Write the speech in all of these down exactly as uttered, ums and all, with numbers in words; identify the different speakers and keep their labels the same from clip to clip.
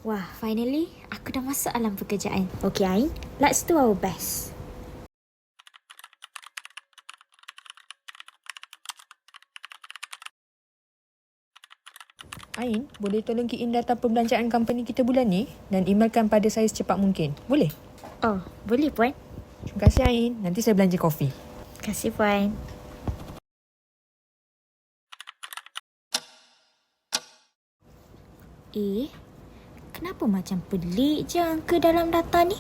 Speaker 1: Wah, finally aku dah masuk alam pekerjaan. Okay, Ain, let's do our best.
Speaker 2: Ain, boleh tolong key in data perbelanjaan company kita bulan ni dan emailkan pada saya secepat mungkin. Boleh?
Speaker 1: Oh, boleh Puan.
Speaker 2: Terima kasih Ain. Nanti saya belanja kopi.
Speaker 1: Terima kasih Puan. Eh, kenapa macam pelik je angka dalam data ni?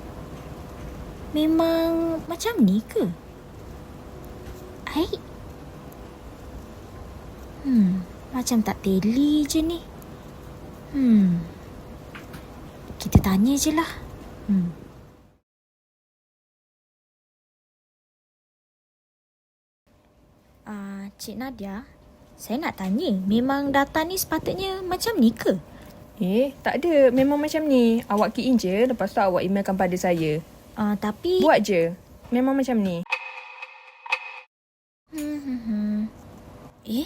Speaker 1: Memang macam ni ke? Hai? Hmm, macam tak teli je ni. Hmm, kita tanya je lah. Hmm. Uh, Cik Nadia, saya nak tanya, memang data ni sepatutnya macam ni ke?
Speaker 2: Eh, tak ada. Memang macam ni. Awak key in je, lepas tu awak emailkan pada saya.
Speaker 1: Uh, tapi...
Speaker 2: Buat je. Memang macam ni.
Speaker 1: Hmm, hmm, hmm. Eh?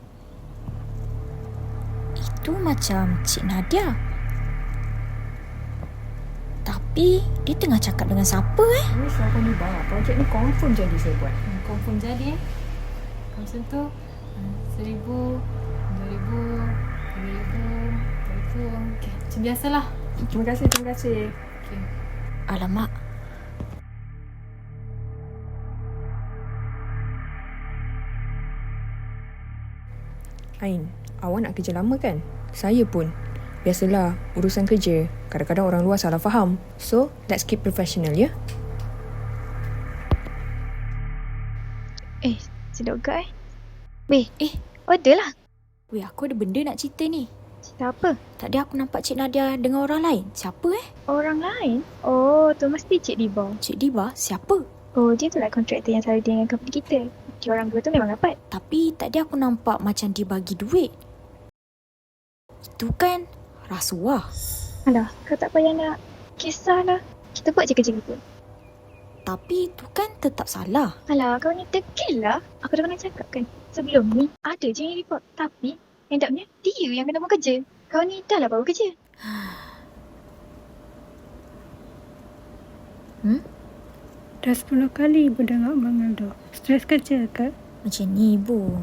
Speaker 1: Itu macam Cik Nadia. Tapi, dia tengah cakap dengan siapa eh?
Speaker 2: Ini siapa ni bah? Projek ni confirm jadi saya buat.
Speaker 3: Hmm, confirm jadi eh. Macam tu, hmm, seribu, dua ribu, tiga ribu, empat ribu. Okay, macam biasalah.
Speaker 2: Terima kasih, terima kasih.
Speaker 3: Okay.
Speaker 1: Alamak.
Speaker 2: Ain, awak nak kerja lama kan? Saya pun. Biasalah, urusan kerja. Kadang-kadang orang luar salah faham. So, let's keep professional, ya?
Speaker 4: Eh, sedap ke eh? Weh, eh, order lah.
Speaker 1: Weh, aku ada benda nak cerita ni.
Speaker 4: Cerita apa?
Speaker 1: Tadi aku nampak Cik Nadia dengan orang lain. Siapa eh?
Speaker 4: Orang lain? Oh, tu mesti Cik Diba.
Speaker 1: Cik Diba? Siapa?
Speaker 4: Oh, dia tu lah kontraktor yang selalu dengan company kita. Dia orang dua tu memang rapat.
Speaker 1: Tapi tadi aku nampak macam dia bagi duit. Itu kan rasuah.
Speaker 4: Alah, kau tak payah nak kisahlah. Kita buat je kerja kita.
Speaker 1: Tapi itu kan tetap salah.
Speaker 4: Alah, kau ni tekil lah. Aku dah pernah cakap kan. Sebelum ni, ada je yang report. Tapi, end upnya, dia yang kena buat kerja. Kau ni dah lah baru kerja.
Speaker 1: Hmm?
Speaker 5: Dah sepuluh kali ibu dengar Abang Aldo. Stres kerja ke?
Speaker 1: Macam ni ibu.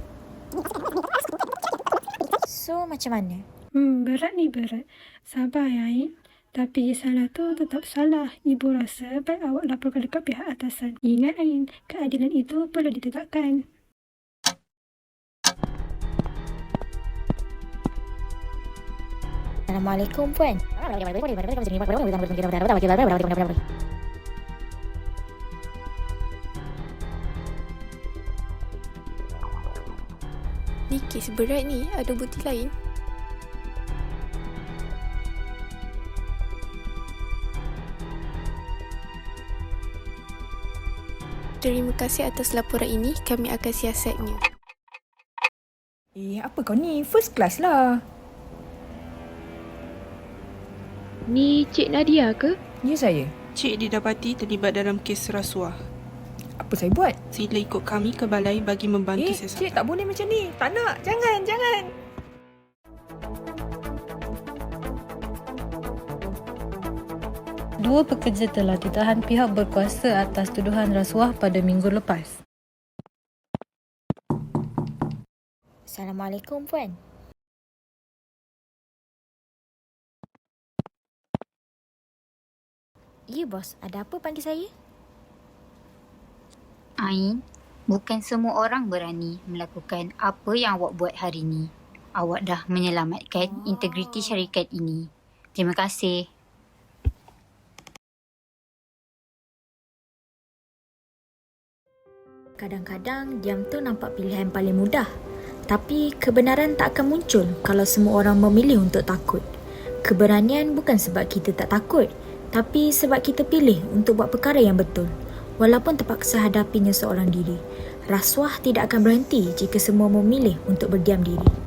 Speaker 1: So, macam mana?
Speaker 5: Hmm, berat ni berat. Sabar ya, Ain. Tapi salah tu tetap salah. Ibu rasa baik awak laporkan dekat pihak atasan. Ingat Ain, keadilan itu perlu ditegakkan.
Speaker 1: Assalamualaikum Puan.
Speaker 6: Ni kes berat ni, ada bukti lain? Terima kasih atas laporan ini, kami akan siasatnya.
Speaker 2: Eh, apa kau ni? First class lah.
Speaker 7: Ni Cik Nadia ke?
Speaker 2: Ya, saya.
Speaker 8: Cik didapati terlibat dalam kes rasuah.
Speaker 2: Apa saya buat?
Speaker 8: Sila ikut kami ke balai bagi membantu
Speaker 2: Eh,
Speaker 8: siasatan.
Speaker 2: cik tak boleh macam ni. Tak nak. Jangan, jangan.
Speaker 9: Dua pekerja telah ditahan pihak berkuasa atas tuduhan rasuah pada minggu lepas.
Speaker 1: Assalamualaikum Puan. Ya bos, ada apa panggil saya?
Speaker 10: Ain, bukan semua orang berani melakukan apa yang awak buat hari ini. Awak dah menyelamatkan oh. integriti syarikat ini. Terima kasih.
Speaker 1: Kadang-kadang diam tu nampak pilihan paling mudah. Tapi kebenaran tak akan muncul kalau semua orang memilih untuk takut. Keberanian bukan sebab kita tak takut, tapi sebab kita pilih untuk buat perkara yang betul. Walaupun terpaksa hadapinya seorang diri. Rasuah tidak akan berhenti jika semua memilih untuk berdiam diri.